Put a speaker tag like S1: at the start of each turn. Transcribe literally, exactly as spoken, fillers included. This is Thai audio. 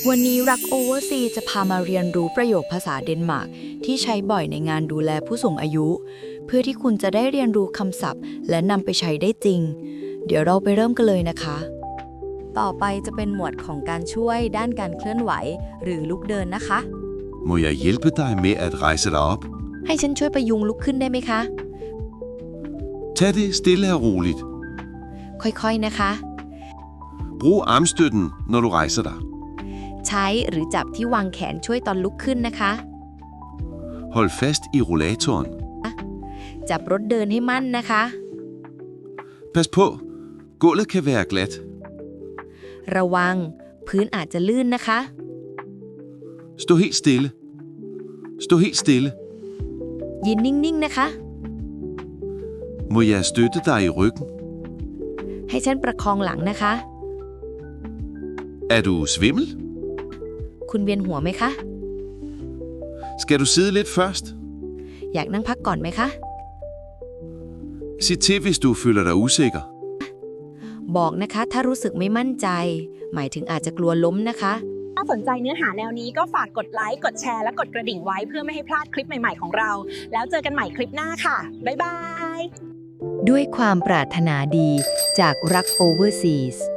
S1: วันนี้รักโอเวอร์ซีจะพามาเรียนรู้ประโยคภาษาเดนมาร์กที่ใช้บ่อยในงานดูแลผู้สูงอายุ เพื่อที่คุณจะได้เรียนรู้คำศัพท์และนำไปใช้ได้จริง เดี๋ยวเราไปเริ่มกันเลยนะคะ ต่อไปจะเป็นหมวดของการช่วยด้านการเคลื่อนไหวหรือลุกเดินนะคะ
S2: Må jeg hjælpe dig med at rejse dig op?
S1: ให้ฉันช่วยประยุงลุกขึ้นได้ไหมคะ
S2: Tag det stille og roligt.
S1: ค่อยๆนะคะ
S2: Brug armstøtten, når du rejser dig.
S1: ใช้หรือจับที่วางแขนช่วยตอนลุกขึ้นนะคะ
S2: Hold fast i rollatoren.
S1: จับรถเดินให้มั่นนะคะ
S2: Pas på, gulvet kan være glat.
S1: ระวังพื้นอาจจะลื่นนะคะ
S2: Stå helt stille. Stå helt stille.
S1: ยืนนิ่งๆนะคะ
S2: Må jeg støtte dig i ryggen?
S1: ให้ฉันประคองหลังนะคะ
S2: Er du svimmel?
S1: คุณเวียนหัวไหมคะ
S2: Skal du sidde lidt først?
S1: อยากนั่งพักก่อนไหมคะ
S2: Sig til, hvis du føler dig usikker.
S1: บอกนะคะถ้ารู้สึกไม่มั่นใจ หมายถึงอาจจะกลัวล้มนะคะ
S3: ถ้าสนใจเนื้อหาแนวนี้ก็ฝากกดไลค์ กดแชร์ และกดกระดิ่งไว้เพื่อไม่ให้พลาดคลิปใหม่ๆของเรา แล้วเจอกันใหม่คลิปหน้าค่ะ บ๊ายบาย
S1: ด้วยความปรารถนาดีจากรักโอเวอร์ซีส